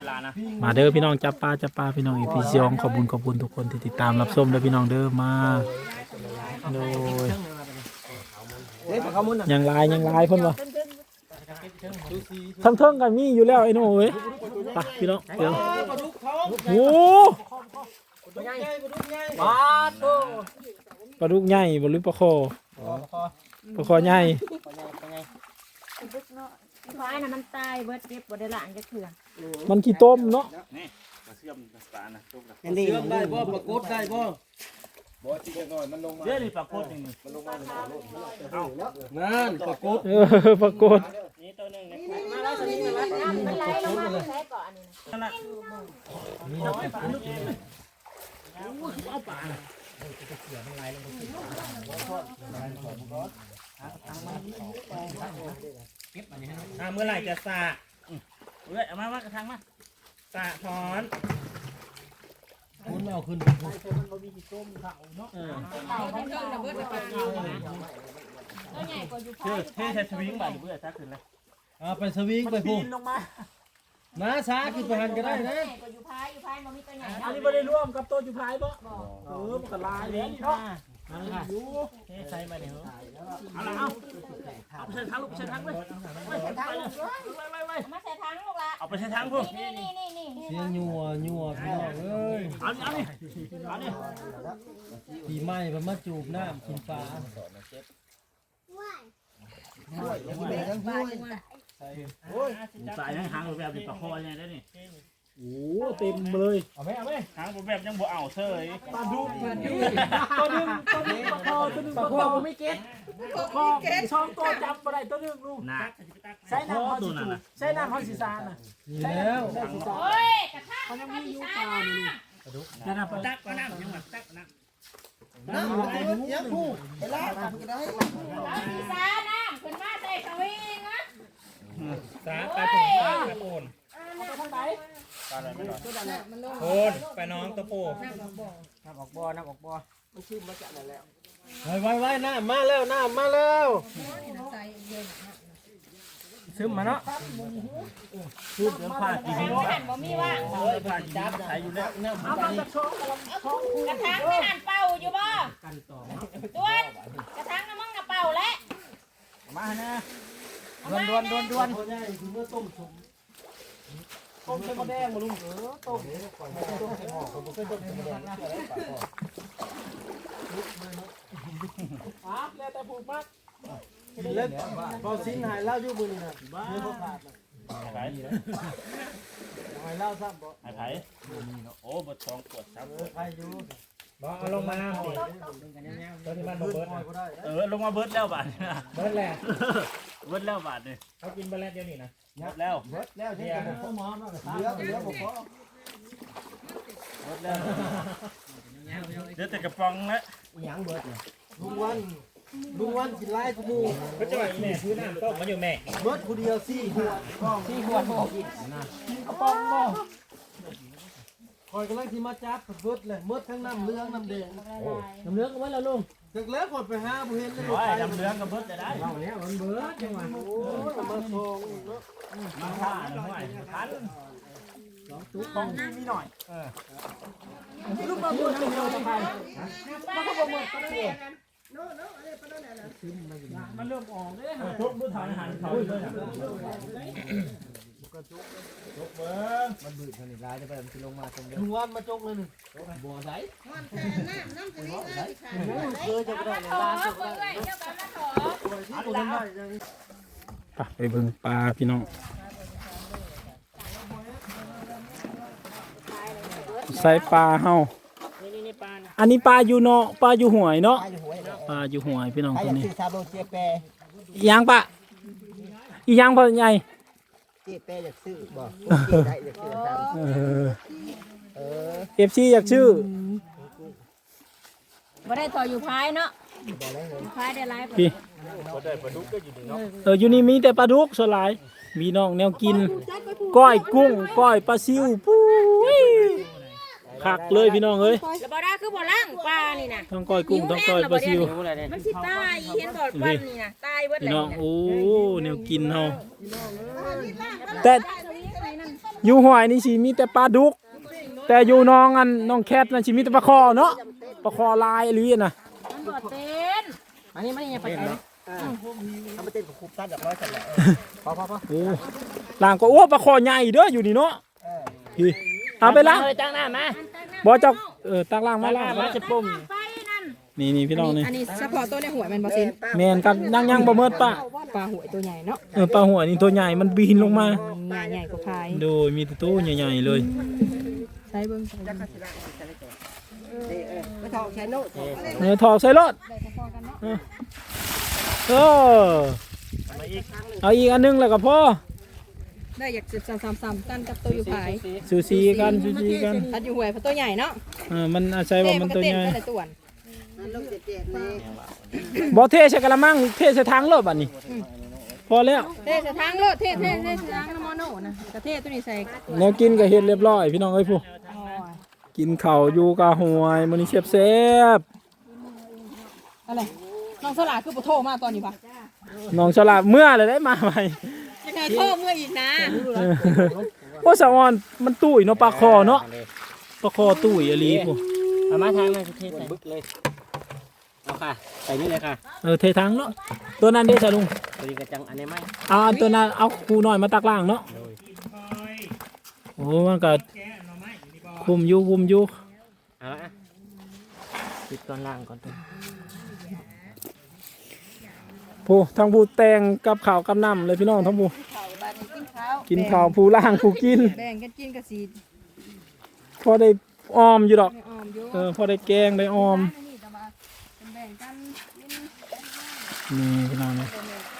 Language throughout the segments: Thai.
มาเด้อพี่น้องจับปลาพี่น้องอีพีสองขอบคุณทุกคนที่ติดตามรับชมเด้อพี่น้องเด้อมาโดยยังลายเพิ่นว่าทั้งเทิงกันมีอยู่แล้วไอ้โน่เว้ยไปพี่น้องเดี๋ยวโอ้ปลาดุกใหญ่บ่หรือปลาคอใหญ่ควายน่ะมันตายเบิดเก็บบ่ได้ล้างจักเทื่อมันขี้ต้มเนาะนี่มาเชื่อมปลานะต้มนะเชื่อมได้บ่ปลากดได้บ่บ่จริงหน่อยมันลงมาเชื่อนี่ปลากดนี่มันลงมานั่นปลากดปลากดนี่ตัวนึงมาแล้วสลิงมาแล้วมันไหลลงมาใช้ก่อนอันนี้นะเอาปลาเมื่อไหร่จะสะเอ้ยเอามากระทังมาสะถอนคุณไม่เอาขึ้นเท่าระเบิดปลาตัวใหญ่กว่าอยู่พายเท่ใช้สวิงบ่เบื่อซักขึ้นเลยไปสวิงไปพุ่งนะช้าขึ้นไปหันก็ได้นะกว่าอยู่พายมันมีตัวใหญ่อันนี้ไม่ได้ร่วมกับตัวจุพายบ่มันก็ลายเลยเนาะอยู่เท่ใช้มาเดี๋ยวเอาไปใส่ถังลูกใส่ถังเลยมาใส่ถังลูกละเอาไปใส่ถังพวกนี่เสียงยัวพี่น้องเอ้ยเอานี่ปีใหม่เพิ่นมาจูบน้ำกินปลาสายหางแบบนี้ปลาคอยังไงได้นี่โอ้เต็มเลยเอาไหมหางแบบยังบ่เอาเซ่ยปลาดุกตัวนึงปลาคอไม่เก็ตคอช่องตัวจับอะไรตัวนึงลูกใช้น้ำฮอสซิซาน่ะนี่แล้วโอ้ยกระทะเขายังมีอยู่ปลานี่นั่นน่ะตักปลาน้ำยังตักน้ำน้ำเยอะผู้ไปลากก็ได้ฮอสซิซาน้ำขึ้นมาใส่สวิงนะสาปลาโป่งปลาโป่งทางไหนปลาอะไรไม่หรอโคนไปน้องตะโพน้ำออกบ่มันชื่อมาจากไหนแล้วไว้น้ำมาแล้วซึมมาเนาะพูดเรื่องผ้ากี่หินหันบ่มีว่างผ้ากี่หินใช้อยู่แล้วเอามาจากช่องกระถางไม่หันเป่าอยู่บ่ด้วนกระถางน้ำมันกระเป่าแล้วมาฮะนะด่วนต้มเส้นมะแดงมาลุงต้มใส่หม้อผมเคยต้มเส้นมะแดงแล้วแต่ผูกมัดเล่นพอสิ้นหายเล่าอยู่บุญนะบ้าไผ่หายเล่าซ้ำบ่ไผ่โอ้บดทองปวดซ้ำไผ่อยู่บ่เอาลงมาตัวที่มันเบิร์ดลงมาเบิร์ดแล้วบาทเบิร์ดแหละเบิร์ดแล้วบาทนี่เขากินเบิร์ดเดียวนี่นะเบิร์ดแล้วใช่ไหมพ่อหมอมาเหลือบ่พอเบิร์ดแล้วเดี๋ยวแต่กระป๋องแล้วยังเบิร์ดลุงวันกินไล่กูมูก็จะว่าแม่ซื้อน้ำต้มมาอยู่แม่เบิร์ดผู้เดียว4 ขวดกินกระป๋องบ่คอยกำลังที่มาจับเบิร์ดเลยเบิร์ดทั้งน้ำเหลืองน้ำแดงน้ำเหลืองก็ไว้แล้วลุงจากแล้วกดไปหาผู้เห็นเลยน้ำเหลืองกับเบิร์ดจะได้เอาแล้วมันเบิร์ดจังหวะโอ้ยมาทองเนาะมาท่าหน่อยทันตุ๊กของมีหน่อยลูกมาบุญเป็นโยธามันก็บ่หมดก็ได้มันเริ่มออกเลยทุบมือถ่ายหันเขาเลยมันบืดขนาดร้ายจะไปมันลงมาตรงนี้ลุงวันมาจกเลยนึงบัวใสน้ำเคยจะไปได้ร้านจะไปได้ตัวนั้นได้ไปเบิ่งปลาพี่น้องใส่ปลาเฮาอันนี้ปลาอยู่เนาะปลาอยู่หวยเนาะปลาอยู่หวยพี่น้องตัวนี้อีหยังปะอีหยังพ่อใหญ่เจ๊แปอยากซื้อบ่ได้อยากซื้อตาม FC อยากชื่อบ่ได้ต่ออยู่พายเนาะพายได้หลายพี่บ่ได้ปลาดุกก็อยู่นี่เนาะอยู่นี่มีแต่ปลาดุกส่วนหลายมีน้องแนวกินก้อยกุ้งก้อยปลาซิวปุ้ยคักเลยพี่น้องเอ้ยแล้วบ่ได้คือบ่ล้างปลานี่นะต้องก้อยกุ้งต้องก้อยปลาซิวมันสิตายเห็นบ่ปั้นนี่นะตายเบิดแล้วพี่น้องโอ้แนวกินเฮาแต่อยู่ห้วยนี่สิมีแต่ปลาดุกแต่อยู่น้องอันน้องแคทนั่นสิมีแต่ปลาคอเนาะปลาคอลายอีหลีน่ะมันบ่เต้นมานี่อย่าไปไกลเอาไปเต้นกับครูตัดแบบร้อยจังเลยพอโอ้ล่างก็โอ้ปลาคอใหญ่เด้ออยู่นี่เนาะพี่เอาไปล้างตั้งหน้ามาบ่เจ้าตักล้างมาล้างมาจะปุ่มไปนั่นนี่พี่น้องนี่อันนี้เฉพาะตัวในหัวมันบ่ซินแม่นครับยังบ่เมิดปะปลาหัวตัวใหญ่เนาะปลาหัวนี่ตัวใหญ่มันบินลงมาใหญ่กว่าพายโดยมีแต่ตัวใหญ่ๆเลยใช้เบิ่งไม่ทองใช้โน้ตถอกใส่รถเออเอาอีกอันนึงแล้วก็พอได้อยาก10-3กันกับตัวอยู่พายซูซีกันอันอยู่หัวเพราะตัวใหญ่เนาะมันอาศัยว่ามันตัวใหญ่แต่ตัวบ่เทใส่กระมังเทใส่ถังรถบัดนี้พอแล้วเทใส่ทางโลดเทใส่ทางน้ำมอโนนะกระเทตัวนี้ใส่แนวกินก็เฮ็ดเรียบร้อยพี่น้องเอ้ยผู้กินข้าวอยู่กะหวยมื้อนี้แซ่บอะไรน้องสลาคือบ่โทรมาตอนนี้ป่ะๆน้องฉลาดเมื่อเลยได้มาใหม่ยังไงโทรเมื่ออีกนะโอ้สะออนมันตุ้ยเนาะปลาคอเนาะปลาคอตุ้ยอีหลีผู้เอามาทางมาเทใส่บึกเลยเอาค่ะใส่นี่เลยค่ะเทถังเนาะตัวนั้นเด้จ้ะลุงตัวนี้กระจังอันนี้ไหมเอาตัวนั้นเอาคูน้อยมาตักล่างเนาะโอ้มันก็คุมอยู่เอาละปิดก่อนล่างก่อนตัวผู้ทั้งผู้แต่งกับข้าวกับน้ำเลยพี่น้องทั้งผู้กินข้าวผู้ล่างผู้กินแบ่งกันกินกับสีพอได้ออมอยู่ดอกออมอยู่พอได้แกงได้ออมแบ่งกันนี่พี่น้องนะ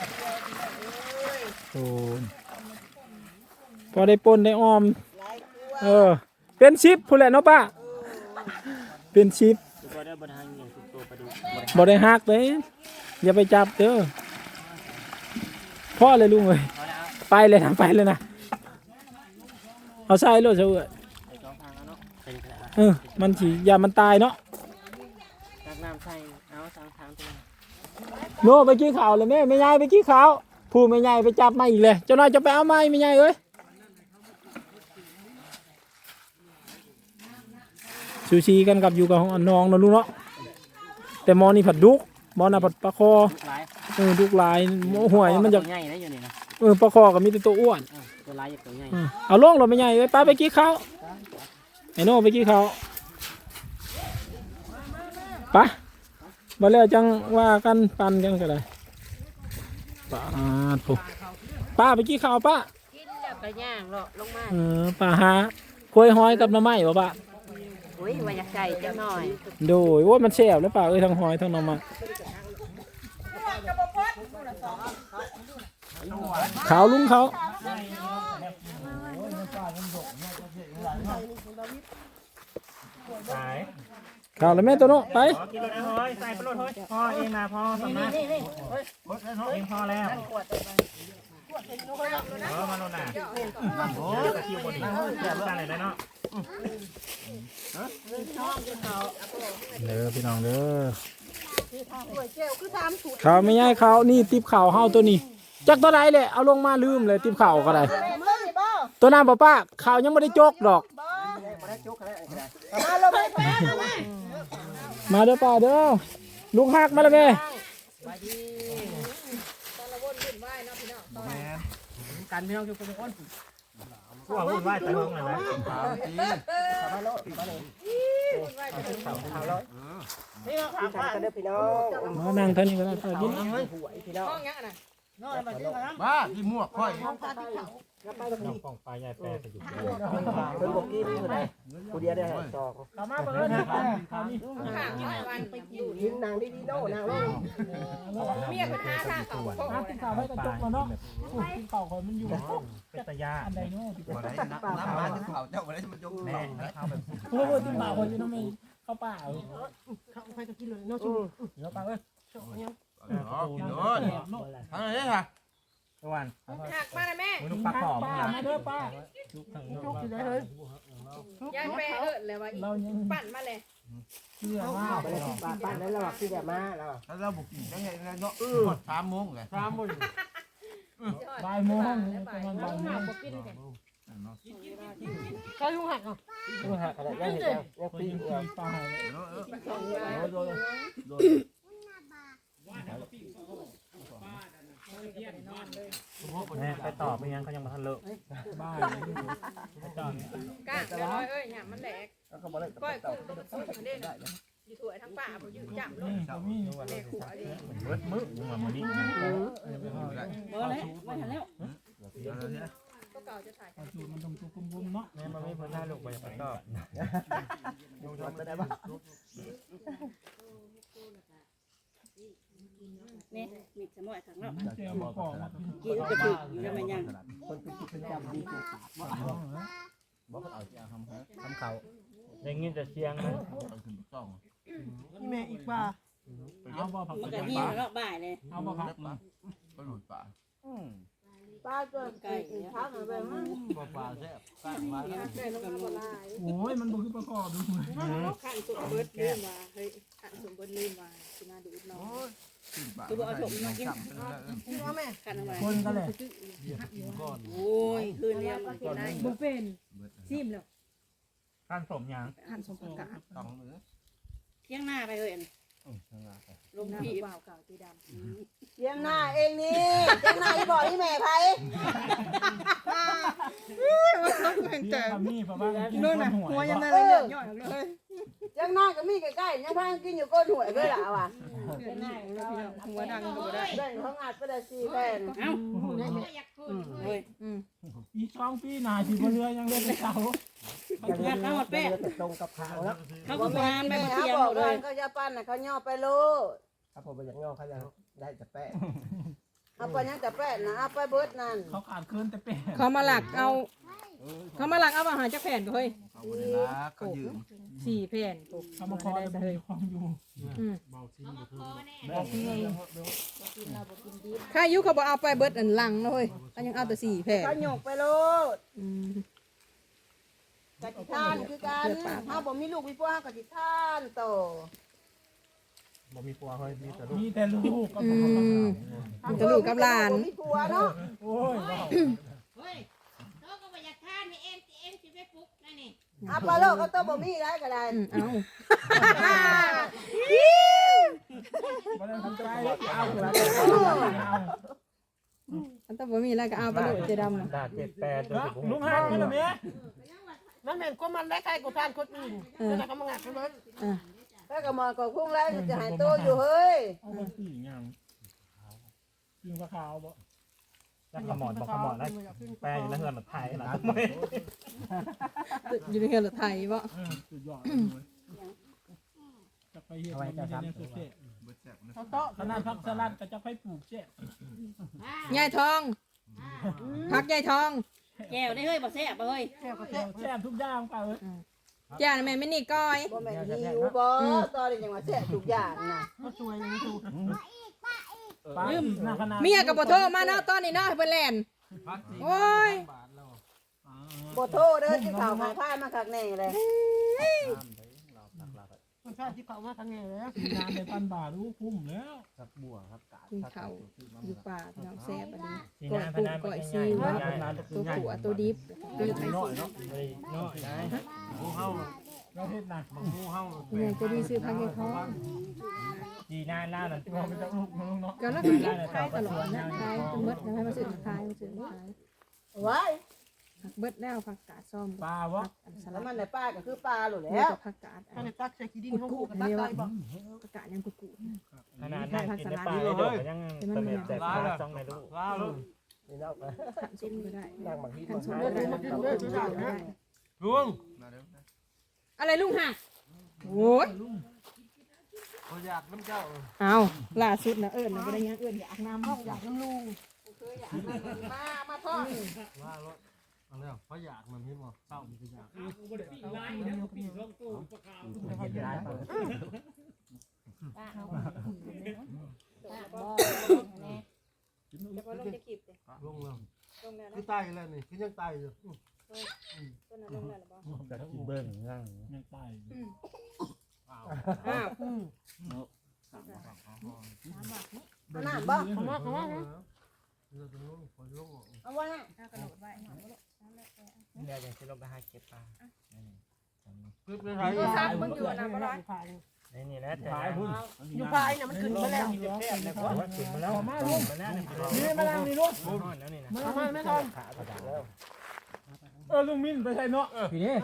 โอ้พอได้ปนได้ออมเป็นชิปผู้แหละเนาะป้าเป็นชิปตัวได้บนทางอย่างสุดตัวไปดูบ่ได้หักเลยอย่าไปจับเด้อพ่อเลยลุงเลยไปเลยนะเอาใส่รถเฉยใส่สองทางแล้วเนาะเป็นกระดาษมันสิอย่ามันตายเนาะตักน้ำใส่เอาสองทางตัวโน่ไปกี้ข่าวเลยแม่ไม่ใหญ่ไปกี้ข่าวผู้ไม่ใหญ่ไปจับมาอีกเลยเจ้านายจะไปเอาไม้ไม่ใหญ่เอ้ยซูชิกันกับอยู่กับน้องนะลูกเนาะแต่มอนี่ผัดดุกมอน่ะผัดปลาคอลายดุกลายห่วยมันจะใหญ่นะอยู่นี่นะปลาคอก็มีแต่ตัวอ้วนตัวลายอย่างตัวใหญ่เอาลงเราไม่ใหญ่เอ้ยป้าไปกี้ข่าวไอ้โน่ไปกี้ข่าวปะมาแล้วจังว่ากันปันกันก็ได้ป้าไปกี้ข่าวป้ากินแล้วก็ย่างเลาะลงมาป้าหาคุยห้อยกับหน้ำไม้บ่ป้าโอ้ยว่าอยากใส่จังหน่อยโดยว่ามันแซ่บแล้วป้าเอ้ยทั้งห้อยทั้งหน้ำไม้ขาวลุงเขาสายขาวแล้วแม่ตัวโน้ไปพอกินรถนะเฮ้ยใส่ไปรถเฮ้ยพอเองนะพอสำนักเองพอแล้วมาโน่นน่ะโอ้ตะคิวบนนี้ตั้งเลยได้เนาะเด้อพี่น้องเด้อข่าวไม่ใช่ข่าวนี่ติบข่าวเฮาตัวนี้จักตัวใดเลยเอาลงมาลืมเลยติบข่าวก็ได้ตัวนั้นป้าข่าวยังไม่ได้จกดอกมาเด้อป้าเด้อลุงฮักมาแล้วแม่กันพี่น้องทุกคนพวกวุ่นวายแต่ห้องเลยนะมานั่งท่านี้ก็ได้ป้ากินบ้าที่มั่วค่อยของปลาใหญ่แปรไปอยู่เป็นบกี้นี่เลยกูเดียวได้สองกลับมาเบิ่งนะข่าวนี้ยิงนางดีๆโน่นางโน่เมียเป็น5ทางเขากินข่าวให้กระจกมาเนาะกินข่าวคนมันอยู่เป็นตะยาอันใดเนาะน้ำมาที่เขาเจ้าไปได้มันจงแม่เข้าแบบโอ้โหติข่าวคนอยู่น้ำไม่เข้าป่าเข้าไปก็กินเลยเนาะชูเดี๋ยวป้าเอ้ยกินเลยทางไหนค่ะตะวันหักมาเลยแม่มึงต้องปลาขอบป้ามาเด้อป้ายายแปรเลยว่าเรายังปั่นมาเลยเชื่อว่าบ้านนั้นเราที่จะมาเราแล้วเราบุกกินได้ไงเนาะ3 โมงเลย3 โมงบ่ายโมงประมาณบ่ายโมงกินกัน 3 เขาลุงหักเหรอดูหักอะไรยังเห็นยังปีเอวปลาเลยโดนแม่ไปตอบไปยังเขายังมาทันเลิกบ้าไปตอบก้าจะร้อยหยามันแหลกแล้วก็บอกเลยก้อยกุ้งต้มซุปมันเด่นอยู่ถั่วทั้งป่าผมอยู่จับลงนี่เขามีแม่ขัวเลยเบิดมือมึงมาดิเบอร์แล้วไม่ทันแล้วก็เก่าจะถ่ายสูตรมันต้องตัวกลมๆเนาะแม่มาไม่พ้นหน้าลูกไปไปตอบดูทำได้ปะนี่มีสมอยถังเนาะเจียวมาปอกมากินกระปุกยังไม่ยังคนเป็นกิจกรรมดีสุดบอกเขาเอาจะทำเขาได้ยินแต่เสียงนะแม่อีกป่าเอาบ่ผักมันก็หิ้วแล้วบ่ายเลยเอาบ่ผักมาป้าตัวไก่พักอะไรบ้างปลาแซ่บปลามาไก่ลงมาบ่ลายโอ้ยมันบ่คือประกอบดูขันสมเบิร์ดลืมว่าเฮ้ยขันสมเบิร์ดลืมว่าสิมาดูดน้องคือบ่เอาถมมากินว่าแม่กันทำไมคนก็เลยโอ้ยคืนเรียงกินได้บุเป็นซิมแล้วขั้นสมยังขันสมประกาศต้องมือเที่ยงหน้าไปเลยลงพี่เปล่าเก่าตีดำเจียงหน้าเองนี่เจียงหน้าที่บอกที่แม่ไผเจียวมีเพราะว่ากินคนหัวหัวยังบ่นั่นเลยย่อยเลยเจียงหน้าก็มีใกล้ๆยังพากินอยู่ก้นหวยด้วยล่ะว่ะเดือดหน้าหัวดังก็ได้เด่นเขางัดไปได้4แผ่นเอ้าเฮ้ยอีช่องพี่นาสิบ่เรือยังเล่นเสางัดเอาหมดแป้ตรงกับขาวแล้วเขาก็พานไปแม่มาเขาเที่ยงบอกเลว่าย เขาจะปั้นน่ะเขาย่อไปโลดครับผมอยากย่อเขาจะได้แต่แป้งเอาไปยังแต่แป้นนะเอาไปเบิดนั่นเขาขาดคืนแต่เป็นเขามาหลักเอาอาหารจากแผ่นเฮ้ยเขายืม 4แผ่นเขามาคอยบ่มีความอยู่ข้ายุเขาบอกเอาไปเบิดอันลังเลยเขายังเอาแต่4แผ่นเขาหยกไปโลดกะจิท่านคือกันเฮาบ่มีลูกมีผัวเฮาก็สิท่านโตบ่มีปัวเฮ้ยมีแต่ลูกมีแต่ลูกก็มันจะลูกกับหลานบ่มีผัวเนาะโอ้ยเฮ้ยเขาก็บ่อยากทานนี่เองสิไปปลุกนั่นนี่เอาไปโลดก็โตบ่มีได้ก็ได้เอาบ่ได้ทำใจเอาละเอาอันต้องบ่มีอะไรก็เอาไปโดดเจดำนะด่า78จนถึงลุงฮักนี่ล่ะแม่มันแม่นก็มันได้ใครกูท่านคนอื่นแล้วก็มางัดมันอ่ะแล้วก็มาก็พุ่งแล้วจะหายโตอยู่เฮ้ยเอาบ่สีงามกินปลาขาวบ่จักขมอนบอกขมอนนะแปลอยู่ในเฮือนแบบไทยนะอยู่ในเฮือนรถไทยบ่สุดยอดเลยจะไปเฮ็ดมันได้เนี่ยสุดเจ๊ขนาดผักสลัดก็จะไปปลูกเจ๊ยายทองพักยายทองแก้วได้เฮ้ยบ่แซ่บบ่เฮ้ยแซ่บทุกอย่างป่ะเอ้ยจ้าแม่ไม่นี่ก้อยบ่แม่นหิวบ่ตอนนี้จังว่าแซ่บทุกอย่างน่ะปลาอีกนะขนาดเมียกับบ่โทรมาเนาะตอนนี้เนาะให้เพิ่นแล่นโอ้ยบ่โทษเด้อที่ข่าวหายพายมาคักแน่เลยงานในพันบาทรู้คุ้มแล้วครับบัวครับกาดกินข้าวอยู่ป่าพี่น้องแซ่บอันนี้สีก้อยน้าพกุ้งนันก้อยใหซีญ่อิ๊วใหญ่ตัวขัวตัวดิบตัวไข่น้อยเนาะเลยน้อยได้เราเฮ็ดหนักแม่จะดีซื้อพักยายทองดีหน้าหน้านั่นเราไปจากลูกน้องเนาะก็แล้วก็กินขายตลอดนะขายจนหมดแล้วให้มาซื้อขายมาซื้อขายไว้ผักเบิดแล้วผักกาดซ้อมปลาวะอันสแล้ลัวดมันในป้าก็คือปลาโลดแล้แล้ว วผักกาดมันตักใส่ขี้ดินกุดกุดเรียกว่าผักกาดยังกุดกุดขนาดนั่งกินในปลาเลยโดดยังเสม็ดแต่ปลาจ้องในลูกนี่เนาะขันส้มก็ได้นั่งบางทีขันส้มมาก็ได้ขันส้มก็ได้ลุงอะไรลุงห่ะโอ้ยเขาอยากน้ำเจ้าเอาล่าสุดนะเอิญนะบ่ได้ยังเอิญอยากน้ำห้องอยากน้ำลุงมาทอดว่ารถเอาแล้วเขาอยากมันพี่บอกเศร้ามันก็อยากจะพอลงจะขีบเลยลงแล้วลงแล้วนะคือตายแล้วนี่คือยังตายอยู่ต้นนั้นลงแล้วหรือเปล่าจะกินเบิ้งนั่งยังตายอ้าวเอาน้ำบ่เราจะลงคนลงเอาไว้นะกระโดดไว้เดี๋ยวจะลงไปหาเก็บปลาตัวซักมึงอยู่นะบ่ได้นี่แหละขายพุ่นอยู่พายน่ะมันขึ้นมาแล้วขึ้นมาแล้วมาลงมาแล้วนี่มานั่งนี่ลูกแล้วนี่นะเอามาไม่ต้องลุงมินไปใส่เนาะพี่นี่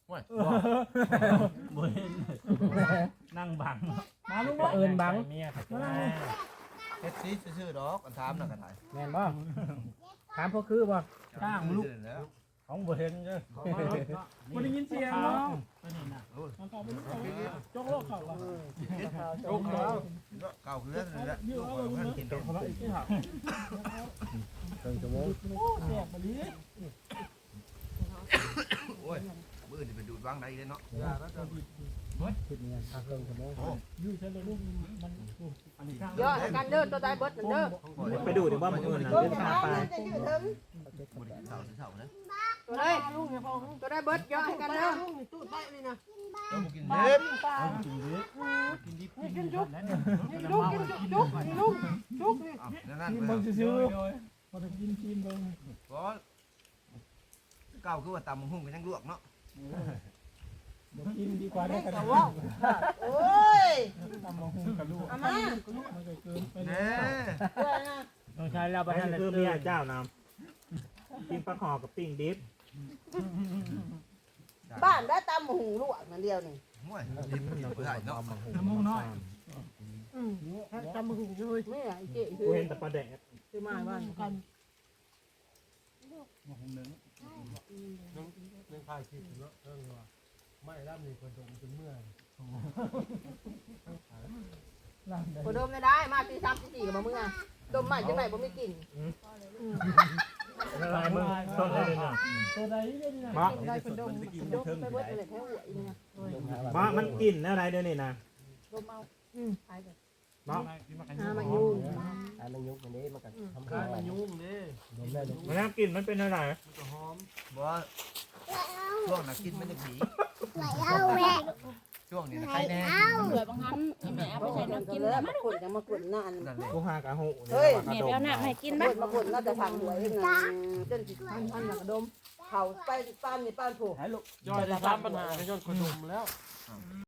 นั่งบังมาลุงเอิญบังเมียขัดเฮ็ดซีซื่อๆดอกกันถามน่ะกันถ่ายแม่นบ่ถามพวกคือบ่จ้างลูกแล้วของบ่เห็นเด้อบ่ได้ยินเสียงเนาะมันตอบบ่รู้จกโลกเขาว่ะโจ๊กเก่าคือนั่นแหละลูกเพิ่นกินเขาละอีกที่หักโอ้แซ่บบ่ลีโอ้ยมื้อนี่ไปดูดวางได้เลยเนาะอยู่ใช่เลยลูกมันอันนี้ข้างเยอะกันเด้อตัวได้เบิดเด้อไปดูดิว่ามันอื่นน่ะตัวเป็นจะข้าเอาปลาจะอยู่ถึงบ่ได้เฒ่านะตัวได้ลูกเนี่ยพอตัวได้เบิดเยอะกันเด้อลูกนี่ตู้ได้นี่นะเราบ่กินปลาเล็บปลากินดินี่กินจุกนี่ลูกกินจุกนี่ลูกจุกนี่นั่นกินๆเบิ่งไปซื่อๆบ่ต้องกินเบิ่งก็เก่าคือว่าตำบักหุ่งกันยังลวกเนาะบ่กินดีกว่าได้กันแต่ว่าโอ้ยทำมาหุ้มกับลูกเอามามันก็เกินไปแน่ต้องใช้แล้วประธานคือเมียเจ้านำปิ้งปลาขอกับปิ้งดิบบ้านได้ตำหูลวกนั่นเดียวนี่ห่วยดิบบ่ได้เนาะน้ำมูกน้อยตำหูเลยไม่ไอ้เจ๊กูเห็นแต่ปลาแดกคือมาบ้านกันน้ำพอดมได้มาตี3ตี4กับมามึงอ่ะดมใหม่จังไหนบ่มีกลิ่นละลายมึงต้นเลยเนี่ยตัวใดเนี่ยนี่นะบ้าได้เพิ่นดมไปเบิดเลยแท้หัวอีนี่นะบ้ามันกินอะไรเดี๋ยวนี้นะดมเอาหายกันบ้าหามายุ่งมันยุ่งอันนี้มันก็ทำการมายุ่งนี่มันน่ากินมันเป็นอะไรบ่ช่วงน่ะกินมันจะผีช่วงนี้นะใครแน่เหลือบางครั้งแม่เอาไปใส่น้ำกินแล้วมามาขนยังมาขนหน้าอันนั่นแหละกูหากะหูเฮ้ยแม่ไปเอาน้ำให้กินขบ้างนมาขนน่าจะทางหัวเองนะจนสิพันกระดมเขาไปป้านนี่ป้านผูกย่อยได้3ปัญหาในย้อนขนมแล้ว